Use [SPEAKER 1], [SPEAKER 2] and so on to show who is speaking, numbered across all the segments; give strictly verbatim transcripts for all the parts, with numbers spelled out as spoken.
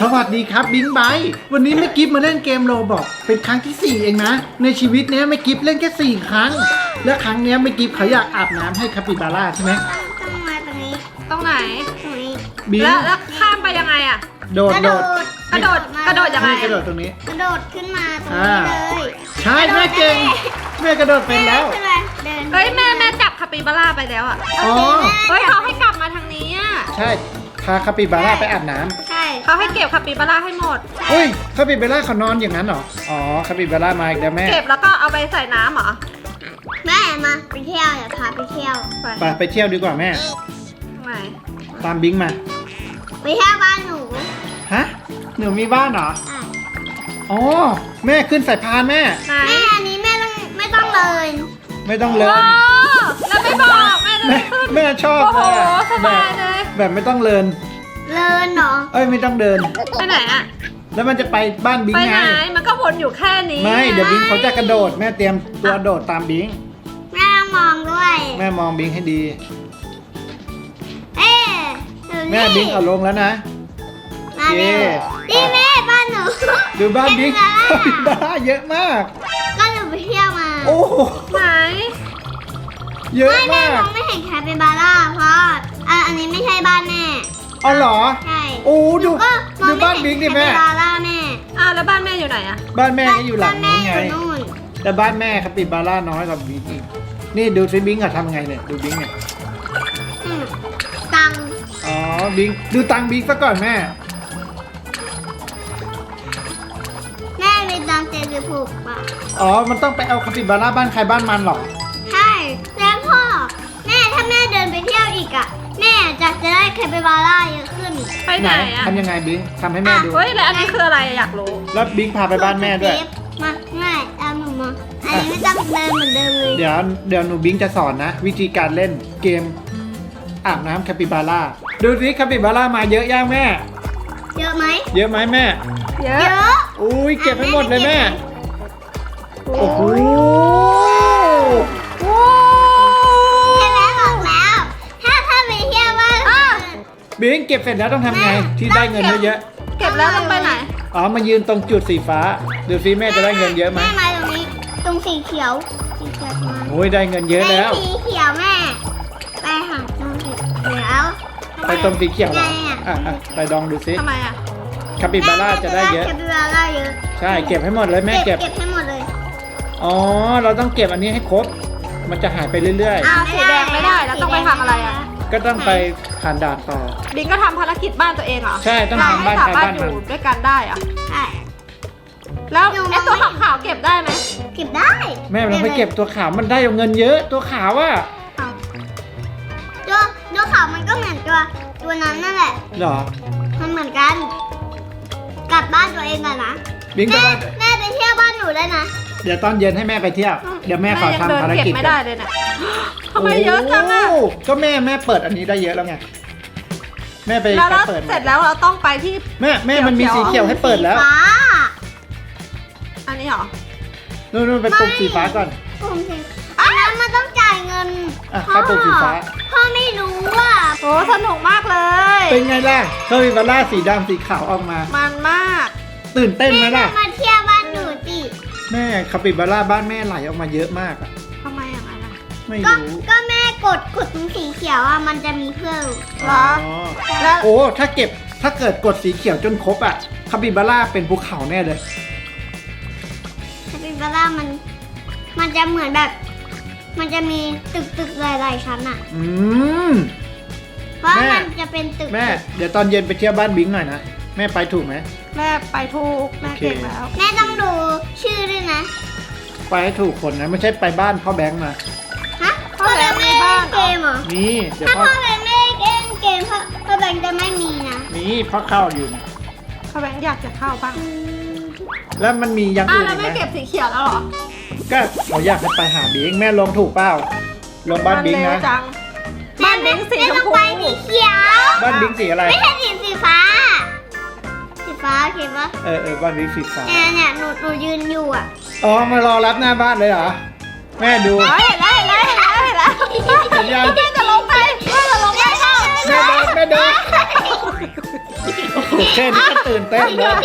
[SPEAKER 1] สวัสดีครับบิงไบท์วันนี้แม่กิฟมาเล่นเกมโรบอกเป็นครั้งที่สี่เองนะในชีวิตเนี้ยแม่กิฟเล่นแค่สี่ครั้งและครั้งเนี้ยแม่กิฟเขาอยากอาบน้ำให้คาปิบาร่าใช่ไหม
[SPEAKER 2] ต้องมาตรงนี้
[SPEAKER 3] ตรงไหน
[SPEAKER 2] ตรงนี้
[SPEAKER 1] บิง
[SPEAKER 3] แล้วแล้วข้ามไปยังไงอะ
[SPEAKER 1] โดดโดด
[SPEAKER 3] กระโดดกระโดดยังไง
[SPEAKER 1] นี่กระโดดตรงนี้
[SPEAKER 2] กระโดดขึ้นมาตรงนี้เลย
[SPEAKER 1] ใช่แม่เก่งแม่กระโดดเป็นแล้ว
[SPEAKER 2] ขึ้นมาเดิน
[SPEAKER 3] เฮ้ยแม่แม่จับคาปิบาร่าไปแล้วอะ
[SPEAKER 1] อ๋อ
[SPEAKER 3] เฮ้ยเขาให้กลับมาทางนี้อะ
[SPEAKER 1] ใช่พาคาปิบาร่าไปอาบน้ำ
[SPEAKER 2] ใช่
[SPEAKER 3] เขาให้เก็บคาปิบาร่าให้หมด
[SPEAKER 1] เฮ้ยคาปิบาร่าเขานอนอย่างนั้นเหรออ๋อคาปิบาร่ามาอีกแล้วแม่
[SPEAKER 3] เก็บแล้วก็เอาไปใส่น้ำเหรอ
[SPEAKER 2] แม่มาไปเที่ยวอย่าพาไปเที่ยว
[SPEAKER 3] ไป
[SPEAKER 1] ไปไปเที่ยวดีกว่าแม่
[SPEAKER 3] ทำไม
[SPEAKER 1] ตามบิงมา
[SPEAKER 2] ไปเที่ยวบ้านหนู
[SPEAKER 1] ฮะหนูมีบ้านเหรอ
[SPEAKER 2] อ่ะ
[SPEAKER 1] อ๋อแม่ขึ้นสายพานแม่
[SPEAKER 3] ไหน
[SPEAKER 2] แม่อันนี้แม่ต้องไม่ต้องเลย
[SPEAKER 1] ไม่ต้องเล
[SPEAKER 3] โอ้
[SPEAKER 1] ย
[SPEAKER 3] แล้วไม่บอกแม่เล
[SPEAKER 1] แม่
[SPEAKER 3] ยขึ้น
[SPEAKER 1] แม่ชอบ
[SPEAKER 3] โอ้
[SPEAKER 1] เล
[SPEAKER 3] โห
[SPEAKER 1] ยอะ
[SPEAKER 3] ส
[SPEAKER 1] แบบ
[SPEAKER 3] าย
[SPEAKER 1] บ
[SPEAKER 3] เลย
[SPEAKER 1] แบบไม่ต้องเลิน
[SPEAKER 2] เลินเหรอ
[SPEAKER 1] เอ้ยไม่ต้องเดิน
[SPEAKER 3] ไปไหนอะ
[SPEAKER 1] แล้วมันจะไปบ้านบิง
[SPEAKER 3] ไป
[SPEAKER 1] ไง
[SPEAKER 3] ไหนมันก็วนอยู่แค่นี้
[SPEAKER 1] ไม่เดี๋ยวบิงเขาจะกระโดดแม่เตรียมตัวโดดตามบิง
[SPEAKER 2] แม่ต้องมองด้วย
[SPEAKER 1] แม่มองบิงให้ดี
[SPEAKER 2] เอ๊ะดู
[SPEAKER 1] แม่บิงเอาลงแล้วนะ
[SPEAKER 2] มาเร็ว
[SPEAKER 1] โอเค
[SPEAKER 2] นี่แม่บ้านหนู
[SPEAKER 1] ดูบ้านบิง
[SPEAKER 2] เห็นไหม
[SPEAKER 1] คาปิบาร่าเยอะมาก
[SPEAKER 2] ก็หนูไปเที่ยวมา
[SPEAKER 1] โอ้โห
[SPEAKER 3] ไหน
[SPEAKER 1] เยอะ
[SPEAKER 2] ไม่แม่
[SPEAKER 1] มาม ก
[SPEAKER 2] องไม่เห็นแคปิบาร่าเพราะอ่ะอันนี้ไม่ใช่บ้านแม่
[SPEAKER 1] อ๋อเหรอ
[SPEAKER 2] ใช่
[SPEAKER 1] โอ้ดู
[SPEAKER 2] หนูก็มอ
[SPEAKER 1] ดู
[SPEAKER 2] ง
[SPEAKER 1] บ้าน
[SPEAKER 2] ไม่
[SPEAKER 1] บิ
[SPEAKER 2] เห็
[SPEAKER 1] ง
[SPEAKER 2] น
[SPEAKER 1] ดิ
[SPEAKER 2] แค
[SPEAKER 1] แม่
[SPEAKER 2] ปิบาร่าแม่
[SPEAKER 3] อ้าวแล้วบ้านแม่อยู่ไหนอะ
[SPEAKER 1] บ้านแม่ก็อยู่หลังนู้นไง
[SPEAKER 2] บ้าแม่อยู่นู่น
[SPEAKER 1] แต่บ้านแม่คาปิบาร่าน้อยกว่าบิงอีกนี่ดูซิบิงอะทำไงเนี่ยดูบิงเนี่ย
[SPEAKER 2] อืมตังค์
[SPEAKER 1] อ๋อบิงดูตังบิงซะก่อนแม่
[SPEAKER 2] แม่มีตังค์เจ็ดสิบหกบาท
[SPEAKER 1] อ๋อมันต้องไปเอาคาปิบาร่าบ้านใครบ้านมันเหรอ
[SPEAKER 2] ใช่แล้วพ่อแม่ถ้าแม่เดินไปเที่ยวอีกอ่ะแม่จะจะได้แคปิบาร่าเยอะขึ้น
[SPEAKER 3] ไปไหนอะ
[SPEAKER 1] ทำยังไงบิงทำให้แม่ดู
[SPEAKER 3] เฮ้ยแล้วอันนี้คืออะไรอะอยากรู้
[SPEAKER 1] แล้วบิงพาไปบ้านแม่ด้วย
[SPEAKER 2] มาง่ายตามหนูมาอันนี้ไม่ต้องเดินเหมือนเดิมเลย
[SPEAKER 1] เดี๋ยวเดี๋ยวหนูบิงจะสอนนะ วิธีการเล่นเกมอาบน้ำคาปิบาร่าดูสิคาปิบาร่ามาเยอะย่างแม่
[SPEAKER 2] เยอะไหม
[SPEAKER 1] เยอะไหมแม่
[SPEAKER 3] เย
[SPEAKER 2] เย
[SPEAKER 3] อะ
[SPEAKER 2] อะ
[SPEAKER 1] อุ้ยเก็บให้หมดเลยแม่ โอ้โห
[SPEAKER 3] โอ้
[SPEAKER 2] ใช่ไหมบอกแล้ว ถ้าถ้าไปเที่ยวว่า
[SPEAKER 1] บิงเก็บเสร็จแล้วต้องทำไงที่ได้เงินเยอะ
[SPEAKER 3] เก็บแล้วต้องไปไหน
[SPEAKER 1] ๆอ๋อมายืนตรงจุดสีฟ้าดูสิแม่จะได้เงินเยอะไหม
[SPEAKER 2] แม่มาตรงนี้ตรงสีเขียวสีเขียวมา
[SPEAKER 1] โอ้ยได้เงินเยอะแล้ว
[SPEAKER 2] ไปสีเขียวแม่ ไปหาตรงสีเขียว
[SPEAKER 1] ไปตรงสีเขียวเหรอ
[SPEAKER 2] ไงอะ
[SPEAKER 1] อ่ะอ่ะไปลองดูสิ
[SPEAKER 3] ทำไมอะ
[SPEAKER 1] คาปิบาร่าจะได้เยอะ
[SPEAKER 2] แคปิบาร่าเยอะ
[SPEAKER 1] ใช่เก็บให้หมดเลยแม่เก็บ
[SPEAKER 2] เก็บให้หมดเลย
[SPEAKER 1] อ๋อเราต้องเก็บอันนี้ให้ครบ มันจะหายไปเรื่อย
[SPEAKER 3] อ้าวสีแดงไม่ได้แล้วต้องไปทำอะไรอะ
[SPEAKER 1] ๆ ก็ต้องไปผ่านด่านต่อ
[SPEAKER 3] บิงก็ทำภารกิจบ้านตัวเองเหรอ
[SPEAKER 1] ใช่ต้องทำบ้านใครบ้านมัน
[SPEAKER 3] เรไม่สมรถอยู่ด้วยกันได้เหรอะ
[SPEAKER 2] ใช่
[SPEAKER 3] แล้ว
[SPEAKER 2] หนูมอง
[SPEAKER 3] ไอ้ตัว
[SPEAKER 2] ไม่เห็น
[SPEAKER 3] ขาวๆเก็บได้ไหม
[SPEAKER 2] เก็บได้
[SPEAKER 1] แม่เราไปเก็บตัวขาวมันได้เงินเยอะตัวขาวอ่ะ
[SPEAKER 3] อ้าว
[SPEAKER 2] ตัวตัวขาวมันก็เหมือนตัวตัวนั้นนั่นแหละ
[SPEAKER 1] เหรอ
[SPEAKER 2] มันเหมือนกัน กลับบ้านตัวเองก่อนนะ
[SPEAKER 1] บิงไป
[SPEAKER 2] แม่
[SPEAKER 1] บ้าน
[SPEAKER 2] แม่ไปเที่ยวบ้านหนูได้นะ
[SPEAKER 1] เดี๋ยวตอนเย็นให้แม่ไปเที่ยวเดี๋ยวแม่ขอ
[SPEAKER 3] ยัง
[SPEAKER 1] ทำ
[SPEAKER 3] เดิน
[SPEAKER 1] ภาร
[SPEAKER 3] เก็บ
[SPEAKER 1] กิจ
[SPEAKER 3] ไม่
[SPEAKER 1] ก่
[SPEAKER 3] ได้
[SPEAKER 1] อน
[SPEAKER 3] เลยเนี่ยทำไมเยอะจังอะ
[SPEAKER 1] โก็แม่แม่เปิดอันนี้ได้เยอะแล้วไงแม่ไป
[SPEAKER 3] แล้วเรา
[SPEAKER 1] เปิด
[SPEAKER 3] เสร็จแล้วเราต้องไปที่
[SPEAKER 1] แม่แม่มันมีสีเขียวให้เปิดแล้ว
[SPEAKER 2] สีฟ้า
[SPEAKER 3] อันนี้เหรอ
[SPEAKER 1] นู่นนู่นไปปุ่มสีฟ้าก่อน
[SPEAKER 2] ผมสีอันนั้นมันต้องจ่ายเงิน
[SPEAKER 1] อ่ะเข้าปุ่มสีฟ้า
[SPEAKER 2] พ่อไม่รู้ว่า
[SPEAKER 3] โอ้สนุกมากเลย
[SPEAKER 1] เป็นไงล่ะคาปิบาร่าสีดำสีขาวออกมา
[SPEAKER 3] มันมาก
[SPEAKER 1] ตื่นเต้นไหม
[SPEAKER 2] แม่
[SPEAKER 1] ล่ะ
[SPEAKER 2] มาเที่ยวบ้านหนูสิ
[SPEAKER 1] แม่คาปิบาร่าบ้านแม่ไหลออกมาเยอะมากอะ
[SPEAKER 3] ทำไมอย่างนั้นอะ
[SPEAKER 1] ไม่
[SPEAKER 2] ก็
[SPEAKER 1] รู้
[SPEAKER 2] ก็แม่กดกดตรงสีเขียวอ่ะมันจะมีเพิ่ม
[SPEAKER 3] เหรอ
[SPEAKER 1] อ๋อ
[SPEAKER 3] แล้ว
[SPEAKER 1] โอ้ถ้าเก็บถ้าเกิดกดสีเขียวจนครบอะคาปิบาร่าเป็นภูเขาแน่เลย
[SPEAKER 2] คาปิบาร่ามัน มันจะเหมือนแบบ มันจะมีตึกตึกหลายๆชั้นอ่ะ
[SPEAKER 1] อืม
[SPEAKER 2] เพราะ
[SPEAKER 1] แม่
[SPEAKER 2] มันจะเป็นตึก
[SPEAKER 1] แม่เดี๋ยวตอนเย็นไปเที่ยวบ้านบิงหน่อยนะแม่ไปถูกไหม
[SPEAKER 3] แม่ไปถูกแม่เก่ง
[SPEAKER 1] โอเค
[SPEAKER 3] แล้ว
[SPEAKER 2] แม่ต้องดูชื่อด้วยนะ
[SPEAKER 1] ไปให้ถูกคนนะไม่ใช่ไปบ้านพ่อแบงค์มา
[SPEAKER 2] ฮะพ่อแบงค์ไม่เล่นเกมเหรอ
[SPEAKER 1] นี่เดี๋ยว
[SPEAKER 2] ถ้า
[SPEAKER 1] พ่อ
[SPEAKER 2] พ่อแบงค์ไม่เล่นเกมพ่อพ่อแบงค์จะไม่มีนะ
[SPEAKER 1] นี่พ่อเข้าอยู่นะ
[SPEAKER 3] เขาแบงค์อยากจะเข้าบ้าง
[SPEAKER 1] แล้วมันมีอย่าง
[SPEAKER 3] อ้าว
[SPEAKER 1] อื่น
[SPEAKER 3] แล้ว
[SPEAKER 1] อีกไหม
[SPEAKER 3] ไม่เก็บสีเขียวแล้วเหรอ
[SPEAKER 1] ก็เขาอยากให้ไปหาบิงแม่ลงถูกเปล่าลงบ้านบิง
[SPEAKER 3] เร็ว
[SPEAKER 1] นะ
[SPEAKER 3] จังบ้านบิงสี
[SPEAKER 2] แม่
[SPEAKER 3] ชม
[SPEAKER 2] ต้อง
[SPEAKER 3] พู
[SPEAKER 2] ไปสีเขียว
[SPEAKER 1] บ้านบิงสีอะไร
[SPEAKER 2] ไม่ใช่สีสีฟ้า สีฟ้าโอเคปะ
[SPEAKER 1] เออเออบ้านบิงสีฟ้า
[SPEAKER 2] เนี่ยเนี่ยหนูหนูยืนอยู่อ่ะ
[SPEAKER 1] อ๋อมารอรับหน้าบ้านเลยเหรอแม่ดู
[SPEAKER 3] เฮ้ยเห็นแล้วเห็นแล้วเห็นแล้วเห็นแล้ว
[SPEAKER 1] เห็นยัง
[SPEAKER 3] แม่จะลงไปแม่จะลงไปเข้า
[SPEAKER 1] แม่เดินแม่เดินโอ้โหโหแค่นี้ก็ตื่นเต้นเลย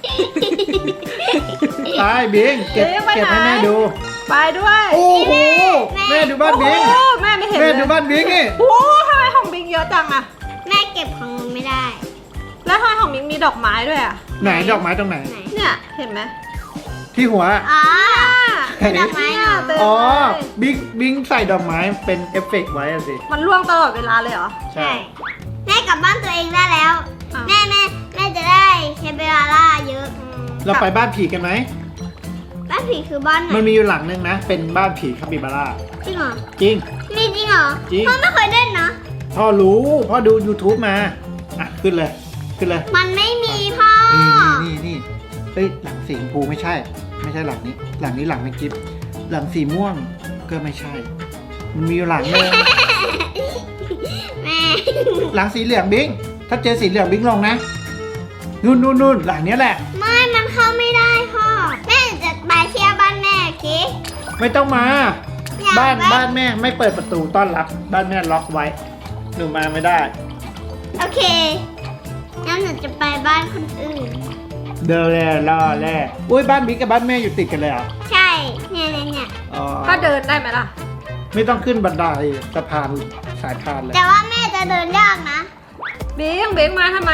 [SPEAKER 1] ตายบิงเก็บเก็บให้แม่ดู
[SPEAKER 3] ไปด้วย
[SPEAKER 1] โอ้โหแม่ดูบ้านบิง
[SPEAKER 3] โอ้แม่ไม่เห็น
[SPEAKER 1] แม่
[SPEAKER 3] เลย
[SPEAKER 1] ดูบ้านบิงนี่
[SPEAKER 3] โอ้ทำไมของบิงเยอะจังอะ
[SPEAKER 2] แม่เก็บของหนูไม่ได้
[SPEAKER 3] แล้วทำไมของบิงมีดอกไม้ด้วยอะ
[SPEAKER 1] ไหนดอกไม้ตรงไหน
[SPEAKER 2] ไหน
[SPEAKER 3] เนี่ยเห็นไหม
[SPEAKER 1] ที่หัว
[SPEAKER 2] อ๋อ
[SPEAKER 1] ไหน
[SPEAKER 2] ดอกไม้หนู
[SPEAKER 3] เต็ม
[SPEAKER 1] อ๋อ
[SPEAKER 3] เลย
[SPEAKER 1] บิงบิงใส่ดอกไม้เป็นเอฟเฟกต์ไว้อะสิ
[SPEAKER 3] มันร่วงตลอดเวลาเลยเหรอ
[SPEAKER 1] ใช่
[SPEAKER 2] แม่กลับบ้านตัวเองได้แล้ว
[SPEAKER 3] อ้าว
[SPEAKER 2] แม่แม่แม่จะได้แคปเปอร่าเยอะ
[SPEAKER 3] อืม
[SPEAKER 1] เราไปบ้านผีกันไหม
[SPEAKER 2] บ้านผีคือบ้านไหน
[SPEAKER 1] มันมีอยู่หลังนึงนะ เป็นบ้านผีคาปิบาร่า
[SPEAKER 2] จริงเหรอ
[SPEAKER 1] จริง
[SPEAKER 2] มีจริงเหรอ
[SPEAKER 1] จริง
[SPEAKER 2] พ่อไม่เคยเล่นนะ
[SPEAKER 1] พ่อรู้พ่อดู YouTube มา อ่ะ ขึ้นเลย ขึ้นเลย
[SPEAKER 2] มันไม่มีพ่อ
[SPEAKER 1] นี่นี่นี่นี่เฮ้ยหลังสีชมพูไม่ใช่ ไม่ใช่หลังนี้ หลังนี้หลังไม่กิฟหลังสีม่วงก็ไม่ใช่ มันมีอยู่หลังนึง
[SPEAKER 2] แม่
[SPEAKER 1] หลังสีเหลืองบิงถ้าเจอสีเหลืองบิงลงนะนู่นนู่นนู่นหลังเนี้ยแหละ
[SPEAKER 2] ไม่มันเข้าไม่ได้พ่อ แม่จะไปเที่ยวบ้านแม่โอเค
[SPEAKER 1] ไม่ต้องมา
[SPEAKER 2] อยาก
[SPEAKER 1] บ้าน
[SPEAKER 2] ไป
[SPEAKER 1] บ้านแม่ไม่เปิดประตูต้อนรับ บ้านแม่ล็อกไว้ หนูมาไม่ได้
[SPEAKER 2] โอเคงั้นหนูจะไปบ้านคนอื่น
[SPEAKER 1] เดินแล่ล่อแล่อุ้ยบ้านบิ๊กกับบ้านแม่อยู่ติดกันเลยเหรอ
[SPEAKER 2] ใช่ เนี่ยเนี่ยเนี่ย
[SPEAKER 1] อ๋อ
[SPEAKER 3] ก็เดินได้ไหมล่ะ
[SPEAKER 1] ไม่ต้องขึ้นบันไดสะพานสายพานเลย
[SPEAKER 2] แต่ว่าแม่จะเดินยากนะ
[SPEAKER 3] บิงบิงมาทำไม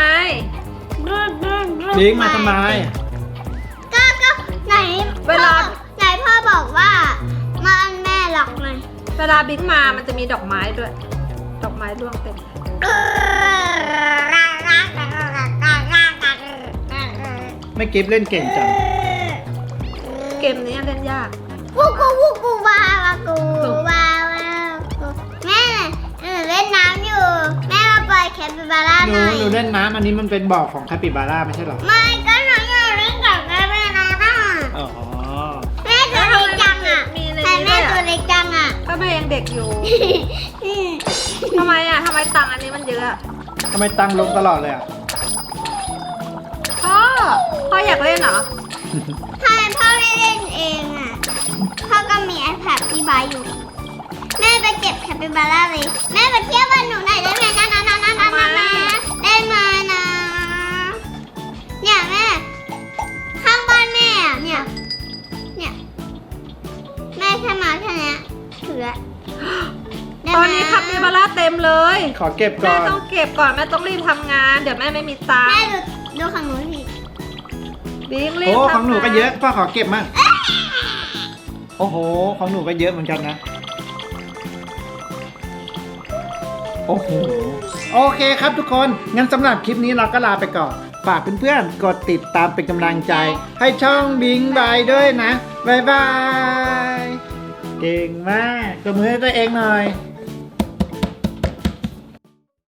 [SPEAKER 1] บิ๊กมาทำไม
[SPEAKER 2] ก็ก็ไหน
[SPEAKER 3] เวลา
[SPEAKER 2] พ่อไหนพ่อบอกว่ามาอันแม่หลอกหน่อย
[SPEAKER 3] เวลาบิงมามันจะมีดอกไม้ด้วย ดอกไม้ร่วงเต็ม
[SPEAKER 1] ไม่กิฟเล่นเก่งจัง
[SPEAKER 3] เกมนี้เล่นยาก
[SPEAKER 2] วูกูวูกูวาวากูวาวากูแม่หนูเล่นน้ำอยู่ แม่มาปล่อยแคปิบาร่า
[SPEAKER 1] ห
[SPEAKER 2] ห
[SPEAKER 1] นู
[SPEAKER 2] น่อย
[SPEAKER 1] หนูเล่นน้ำอันนี้มันเป็นบ่อของคาปิบาร่าไม่ใช่เหรอ
[SPEAKER 2] ไม่ก็หนูอยากเล่นกับแม่แม่นะน่ะ
[SPEAKER 1] อ๋อ
[SPEAKER 2] แม่ตัวเล็กจังอ่ะ
[SPEAKER 3] มีใน
[SPEAKER 2] แต่
[SPEAKER 3] นี้
[SPEAKER 2] แม่
[SPEAKER 3] ด้วย
[SPEAKER 2] ตัว
[SPEAKER 3] อะ
[SPEAKER 2] เล็กจังอ่ะ
[SPEAKER 3] ก็แม่ยังเด็กอยู่
[SPEAKER 2] อืม
[SPEAKER 3] ทำไมอ่ะทำไมตังค์อันนี้มันเยอะอะ
[SPEAKER 1] ทำไมตังลงตลอดเลยอ่ะ
[SPEAKER 3] พ่อ พ่ออยากเล่นเหรอ
[SPEAKER 2] ทำไมพ่อไม่เล่นเองอ่ะ พ่อก็มี iPad ที่บายอยู่ แม่ไปเก็บแคปิบาร่าเลย แม่ไปเที่ยวบ้านหนูหน่อยได้ไหมนะนะนะนะนะนะนะได้ไหมนะ เนี่ยแม่ ข้างบ้านแม่อะเนี่ย เนี่ย แม่แค่มาแค่เนี้ยถือละได้
[SPEAKER 3] ต
[SPEAKER 2] ไหม
[SPEAKER 3] อนนี้คาปิบาร่าเต็มเลย
[SPEAKER 1] ขอเก็บก่
[SPEAKER 3] แม่
[SPEAKER 1] อน
[SPEAKER 3] ต้องเก็บก่อนแม่ต้องรีบทำงาน เดี๋ยวแม่ไม่มีตัง
[SPEAKER 2] แม่
[SPEAKER 3] ค์
[SPEAKER 2] ดูดูของหนูสิ
[SPEAKER 3] บิงรีบ
[SPEAKER 1] โอ้
[SPEAKER 3] ทำ
[SPEAKER 1] ของหนูก็เยอะพ่อขอเก็บมั่งโอ้โหของหนูก็เยอะเหมือนกันนะ โอ้โหโอเคครับทุกคนงั้นสำหรับคลิปนี้เราก็ลาไปก่อนฝากเพื่อนๆกดติดตามเป็นกำลังใจ ให้ช่องบิงบายด้วยนะบ๊ายบายเก่งมากกดมือให้ตัวเองหน่อย